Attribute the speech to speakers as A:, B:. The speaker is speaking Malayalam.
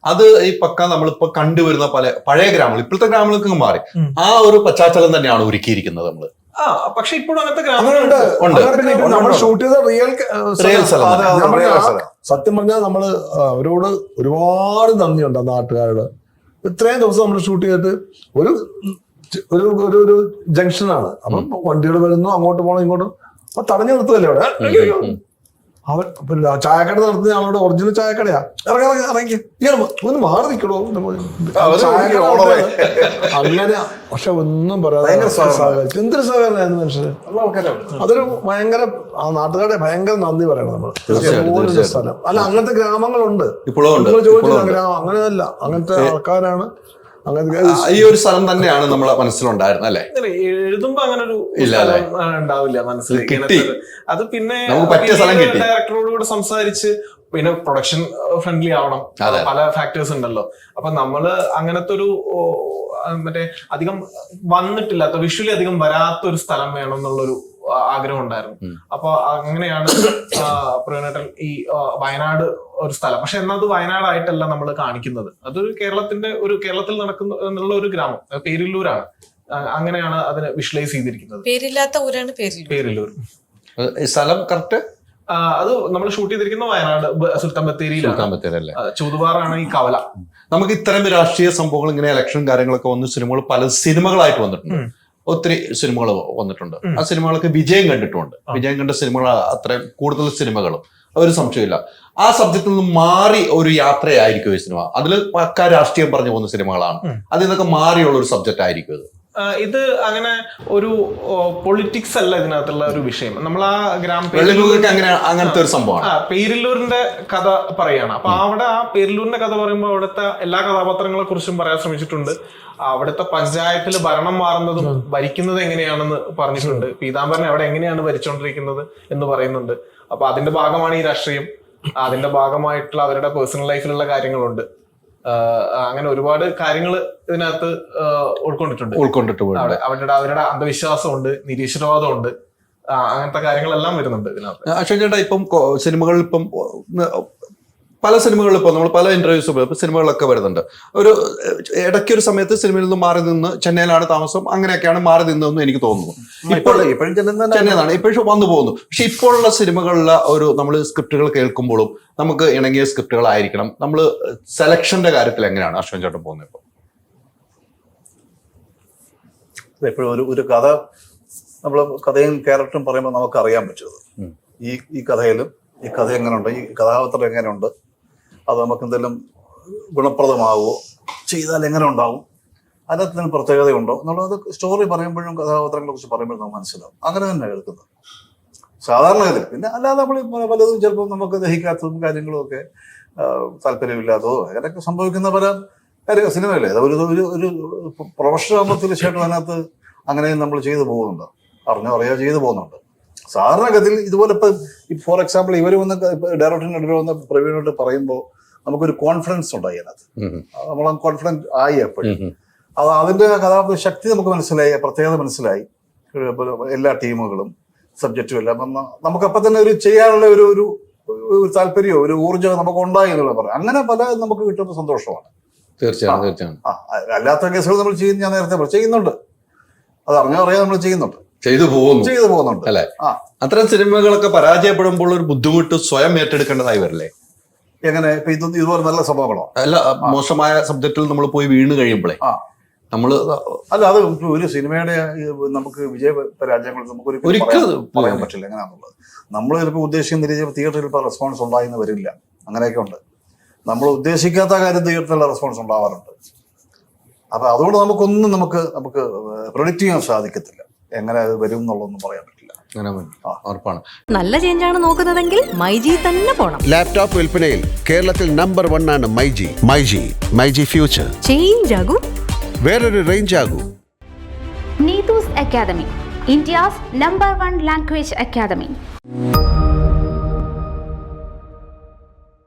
A: അത് ഈ പക്ക നമ്മളിപ്പോ കണ്ടുവരുന്ന പഴയ ഗ്രാമങ്ങൾ, ഇപ്പോഴത്തെ ഗ്രാമങ്ങൾക്ക് മാറി ആ ഒരു പശ്ചാത്തലം തന്നെയാണ് ഒരുക്കിയിരിക്കുന്നത് നമ്മള്.
B: പക്ഷെ ഇപ്പോഴും അങ്ങനത്തെ
C: നമ്മൾ ഷൂട്ട് ചെയ്ത
A: റിയൽ
C: സത്യം പറഞ്ഞാൽ നമ്മള് അവരോട് ഒരുപാട് നന്ദിയുണ്ട് ആ നാട്ടുകാരോട്. ഇത്രയും ദിവസം നമ്മൾ ഷൂട്ട് ചെയ്തിട്ട് ഒരു ജംഗ്ഷനാണ്. അപ്പം വണ്ടികൾ വരുന്നു, അങ്ങോട്ട് പോകണം ഇങ്ങോട്ടും, അപ്പൊ തടഞ്ഞു നിർത്തുകയല്ലേ അവിടെ. അവൻ ചായക്കട നടത്തുന്ന ആളോട് ഒറിജിനൽ ചായക്കടയാ, ഇറങ്ങി ഒന്ന് മാറി നിൽക്കണോ അങ്ങനെ. പക്ഷെ ഒന്നും പറയാതെ എന്തൊരു സഹകരണമായിരുന്നു മനുഷ്യര്. അതൊരു ഭയങ്കര ആ നാട്ടുകാരുടെ ഭയങ്കര നന്ദി പറയണം നമ്മള്. സ്ഥലം അല്ല, അങ്ങനത്തെ ഗ്രാമങ്ങളുണ്ട് ചോദിച്ചില്ല. ഗ്രാമം അങ്ങനെയല്ല, അങ്ങനത്തെ ആൾക്കാരാണ്.
A: ഈ ഒരു സ്ഥലം തന്നെയാണ് നമ്മളെ മനസ്സിലുണ്ടായിരുന്നത് അല്ലെ?
B: എഴുതുമ്പോ അങ്ങനെ ഒരു ഉണ്ടാവില്ല മനസ്സിൽ. അത് പിന്നെ ഡയറക്ടറോട് കൂടെ സംസാരിച്ച്, പിന്നെ പ്രൊഡക്ഷൻ ഫ്രണ്ട്ലി ആവണം, പല ഫാക്ടേഴ്സ് ഉണ്ടല്ലോ. അപ്പൊ നമ്മള് അങ്ങനത്തെ ഒരു മറ്റേ അധികം വന്നിട്ടില്ലാത്ത, വിഷ്വലി അധികം വരാത്ത ഒരു സ്ഥലം വേണം എന്നുള്ളൊരു ആഗ്രഹം ഉണ്ടായിരുന്നു. അപ്പൊ അങ്ങനെയാണ് പ്രവീണേട്ടൻ ഈ വയനാട് ഒരു സ്ഥലം, പക്ഷെ എന്നാൽ അത് വയനാടായിട്ടല്ല നമ്മൾ കാണിക്കുന്നത്. അതൊരു കേരളത്തിൽ നടക്കുന്ന എന്നുള്ള ഒരു ഗ്രാമം, പേരില്ലൂരാണ്. അങ്ങനെയാണ് അതിനെ വിഷ്വലൈസ് ചെയ്തിരിക്കുന്നത്.
D: പേരില്ലാത്ത ഊരാണ്
B: പേരില്ലൂർ.
A: സ്ഥലം കറക്റ്റ്
B: അത് നമ്മൾ ഷൂട്ട് ചെയ്തിരിക്കുന്ന വയനാട് സുൽത്താൻ ബത്തേരിയിലാണ്. ചൂതുപാറാണ് ഈ കവല.
A: നമുക്ക് ഇത്തരം രാഷ്ട്രീയ സംഭവങ്ങൾ, ഇങ്ങനെ ഇലക്ഷൻ കാര്യങ്ങളൊക്കെ വന്ന സിനിമകൾ പല സിനിമകളായിട്ട് വന്നിട്ടുണ്ട്. ഒത്തിരി സിനിമകൾ വന്നിട്ടുണ്ട്. ആ സിനിമകളൊക്കെ വിജയം കണ്ടിട്ടുണ്ട്. വിജയം കണ്ട സിനിമകൾ അത്രയും കൂടുതൽ സിനിമകളും ഒരു സംശയമില്ല. ആ സബ്ജക്റ്റിൽ നിന്ന് മാറി ഒരു യാത്രയായിരിക്കും ഈ സിനിമ. അതിൽ പക്ക രാഷ്ട്രീയം പറഞ്ഞു പോകുന്ന സിനിമകളാണ്. അതിൽ നിന്നൊക്കെ മാറിയുള്ള ഒരു സബ്ജക്റ്റ് ആയിരിക്കും ഇത്.
B: ഇത് അങ്ങനെ ഒരു പൊളിറ്റിക്സ് അല്ല ഇതിനകത്തുള്ള ഒരു വിഷയം. നമ്മൾ ആ
A: അങ്ങനത്തെ ഒരു സംഭവമാണ്.
B: പേരില്ലൂരിന്റെ കഥ പറയാണ്. അപ്പൊ അവിടെ ആ പേരില്ലൂരിന്റെ കഥ പറയുമ്പോൾ അവിടുത്തെ എല്ലാ കഥാപാത്രങ്ങളെ കുറിച്ചും പറയാൻ ശ്രമിച്ചിട്ടുണ്ട്. അവിടുത്തെ പഞ്ചായത്തിൽ ഭരണം മാറുന്നതും ഭരിക്കുന്നത് എങ്ങനെയാണെന്ന് പറഞ്ഞിട്ടുണ്ട്. പീതാംബരൻ അവിടെ എങ്ങനെയാണ് ഭരിച്ചുകൊണ്ടിരിക്കുന്നത് എന്ന് പറയുന്നുണ്ട്. അപ്പൊ അതിന്റെ ഭാഗമാണ് ഈ രാഷ്ട്രീയം. അതിന്റെ ഭാഗമായിട്ടുള്ള അവരുടെ പേഴ്സണൽ ലൈഫിലുള്ള കാര്യങ്ങളുണ്ട്. അങ്ങനെ ഒരുപാട് കാര്യങ്ങൾ ഇതിനകത്ത് ഉൾക്കൊണ്ടിട്ടുണ്ട്. അവരുടെ അന്ധവിശ്വാസമുണ്ട്, നിരീശ്വരവാദമുണ്ട്, അങ്ങനത്തെ കാര്യങ്ങളെല്ലാം വരുന്നുണ്ട് ഇതിനകത്ത്.
A: അശ്വൻ ചേട്ടാ, ഇപ്പം സിനിമകളിൽ ഇപ്പം പല സിനിമകളിൽ ഇപ്പോൾ നമ്മൾ പല ഇന്റർവ്യൂസ് ഇപ്പോൾ സിനിമകളൊക്കെ വരുന്നുണ്ട്. ഒരു ഇടയ്ക്കൊരു സമയത്ത് സിനിമയിൽ നിന്ന് മാറി നിന്ന് ചെന്നൈയിലാണ് താമസം, അങ്ങനെയൊക്കെയാണ് മാറി നിന്നതെന്ന് എനിക്ക് തോന്നുന്നു. ഇപ്പോഴും ചെന്നൈയിലാണ് ഇപ്പോഴും വന്നു പോകുന്നു. പക്ഷെ ഇപ്പോഴുള്ള സിനിമകളിലെ ഒരു നമ്മൾ സ്ക്രിപ്റ്റുകൾ കേൾക്കുമ്പോഴും നമുക്ക് ഇണങ്ങിയ സ്ക്രിപ്റ്റുകളായിരിക്കണം. നമ്മൾ സെലക്ഷന്റെ കാര്യത്തിൽ എങ്ങനെയാണ് അശ്വൻ ചേട്ടൻ പോകുന്നത്? ഇപ്പോൾ
E: എപ്പോഴും ഒരു കഥ, നമ്മൾ കഥയും ക്യാരക്ടറും പറയുമ്പോൾ നമുക്ക് അറിയാൻ പറ്റുന്നത് ഈ കഥയിലും ഈ കഥ എങ്ങനെയുണ്ട്, ഈ കഥാപാത്രം എങ്ങനെയുണ്ട്, അത് നമുക്ക് എന്തെങ്കിലും ഗുണപ്രദമാവുമോ, ചെയ്താൽ എങ്ങനെ ഉണ്ടാവും, അതിനകത്ത് എന്തെങ്കിലും പ്രത്യേകതയുണ്ടോ എന്നുള്ളത് സ്റ്റോറി പറയുമ്പോഴും കഥാപാത്രങ്ങളെ കുറിച്ച് പറയുമ്പോഴും നമുക്ക് മനസ്സിലാവും. അങ്ങനെ തന്നെ എടുക്കുന്നത് സാധാരണഗതിയിൽ. പിന്നെ അല്ലാതെ നമ്മൾ പലതും ചിലപ്പോൾ നമുക്ക് ദഹിക്കാത്തതും കാര്യങ്ങളും ഒക്കെ താല്പര്യമില്ലാത്തതോ അങ്ങനെയൊക്കെ സംഭവിക്കുന്ന പല സിനിമയല്ലേ. അത് ഒരു പ്രൊഫഷണൽ ആകുമ്പോൾ തീർച്ചയായിട്ടും അതിനകത്ത് അങ്ങനെയും നമ്മൾ ചെയ്തു പോകുന്നുണ്ട്, അറിയാതെ ചെയ്തു പോകുന്നുണ്ട്. സാധാരണഗതിയിൽ ഇതുപോലെ ഇപ്പം ഫോർ എക്സാമ്പിൾ ഇവർ വന്ന് ഡയറക്ടറിനെതിരെ വന്ന് പ്രവീണോട് പറയുമ്പോൾ നമുക്കൊരു കോൺഫിഡൻസ് ഉണ്ടായി അതിനകത്ത്. നമ്മൾ കോൺഫിഡൻറ്റ് ആയി എപ്പോഴും. അത് അതിൻ്റെ കഥാപാത്ര ശക്തി നമുക്ക് മനസ്സിലായി, പ്രത്യേകത മനസ്സിലായി. എല്ലാ ടീമുകളും സബ്ജക്റ്റും എല്ലാം നമുക്കപ്പം തന്നെ ഒരു ചെയ്യാനുള്ള ഒരു താല്പര്യമോ ഒരു ഊർജ്ജമോ നമുക്ക് ഉണ്ടായി എന്നുള്ള പറയാം. അങ്ങനെ പല നമുക്ക് കിട്ടുന്ന സന്തോഷമാണ്.
A: തീർച്ചയായും.
E: അല്ലാത്ത കേസുകൾ നമ്മൾ ഞാൻ നേരത്തെ ചെയ്യുന്നുണ്ട്, അത് അറിയാതെ നമ്മൾ ചെയ്യുന്നുണ്ട്,
A: ചെയ്തു പോകുന്നുണ്ട് അല്ലെ? അത്തരം സിനിമകളൊക്കെ പരാജയപ്പെടുമ്പോൾ ഒരു ബുദ്ധിമുട്ട് സ്വയം ഏറ്റെടുക്കേണ്ടതായി വരില്ലേ?
E: എങ്ങനെ ഇപ്പൊ ഇതുപോലെ നല്ല സംഭവങ്ങളോ
A: അല്ല, മോശമായ സബ്ജക്റ്റിൽ നമ്മൾ പോയി വീണ് കഴിയുമ്പോഴേ നമ്മള്
E: അല്ല, അത് ഒരു സിനിമയുടെ നമുക്ക് വിജയ പരാജയങ്ങൾ നമുക്ക് പറയാൻ പറ്റില്ല എങ്ങനെയാണെന്നുള്ളത്. നമ്മൾ ചിലപ്പോൾ ഉദ്ദേശിക്കുന്ന രീതിയിൽ തിയേറ്ററിൽ ഇപ്പോൾ റെസ്പോൺസ് ഉണ്ടായെന്ന് വരില്ല, അങ്ങനെയൊക്കെ ഉണ്ട്. നമ്മൾ ഉദ്ദേശിക്കാത്ത കാര്യം തിയേറ്ററിലുള്ള റെസ്പോൺസ് ഉണ്ടാവാറുണ്ട്. അപ്പൊ അതുകൊണ്ട് നമുക്ക് പ്രെഡിക്റ്റ് ചെയ്യാൻ സാധിക്കത്തില്ല എങ്ങനെ അത് വരും എന്നുള്ളതൊന്നും പറയാൻ പറ്റില്ല.
D: നല്ല ചേഞ്ചാണ് നോക്കുന്നതെങ്കിൽ മൈജി തന്നെ പോണം.
F: ലാപ്ടോപ്പ് വിൽപ്പനയിൽ കേരളത്തിൽ നമ്പർ 1 ആണ് മൈജി ഫ്യൂച്ചർ.
D: ചേഞ്ച് ആകൂ,
F: വേറൊരു റേഞ്ച് ആകൂ.
G: Neethu's academy, India's number 1 language academy.